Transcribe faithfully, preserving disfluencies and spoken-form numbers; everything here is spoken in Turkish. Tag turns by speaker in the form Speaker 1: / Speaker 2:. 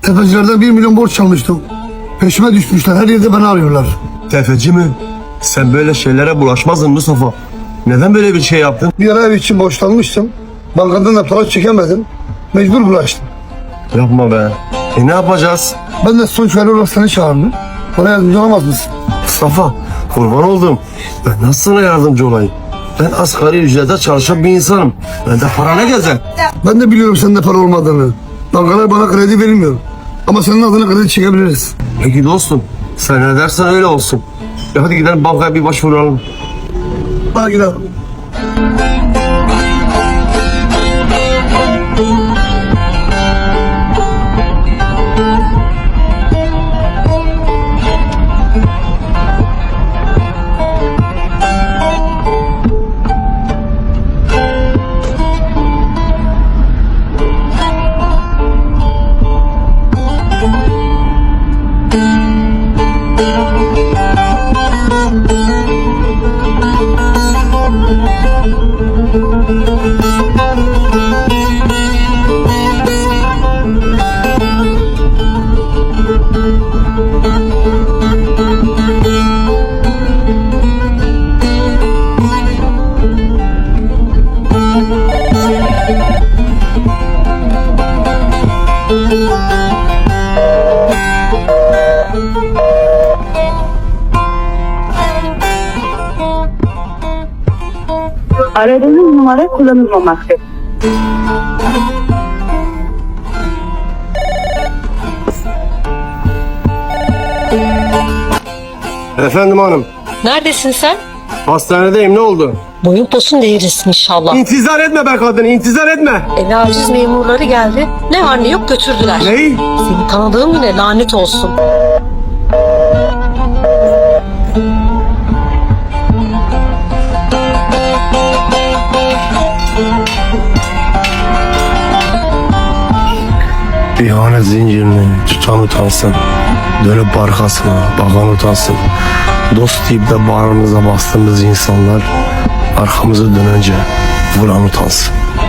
Speaker 1: Tefecilerden bir milyon borç almıştım. Peşime düşmüşler. Her yerde beni arıyorlar.
Speaker 2: Tefeci mi? Sen böyle şeylere bulaşmazdın Mustafa. Neden böyle bir şey yaptın?
Speaker 1: Bir ara ev için borçlanmıştım. Bankadan da para çekemedim. Mecbur bulaştım.
Speaker 2: Yapma be. E ne yapacağız?
Speaker 1: Ben de sonuç veri olarak seni çağırdım. Bana yardımcı olamaz mısın?
Speaker 2: Mustafa, kurban oldum. Ben nasıl sana yardımcı olayım? Ben asgari ücrete çalışan bir insanım. Ben de para ne gezer?
Speaker 1: Ben de biliyorum sende para olmadığını. Bankalar bana kredi vermiyor. Ama senin adına kredi çekebiliriz.
Speaker 2: Peki dostum, sen ne dersen öyle olsun. Ya hadi gidelim bankaya bir başvuralım.
Speaker 1: Bana gidelim.
Speaker 3: Aradığınız numara kullanılmamaktadır.
Speaker 2: Efendim hanım,
Speaker 4: Neredesin sen?
Speaker 2: hastanedeyim, ne oldu?
Speaker 4: Boyun posun değilsin inşallah.
Speaker 2: İntizar etme be kadın, intizar etme.
Speaker 4: Eve aciz memurları geldi. Ne var ne yok götürdüler.
Speaker 2: Ney?
Speaker 4: Seni tanıdığım yine lanet olsun.
Speaker 2: İhanet zincirini tutan utansın. Dönüp arkasına bakan utansın. Dost deyip de bağrımıza bastığımız insanlar arkamızı dönünce vuran utansın.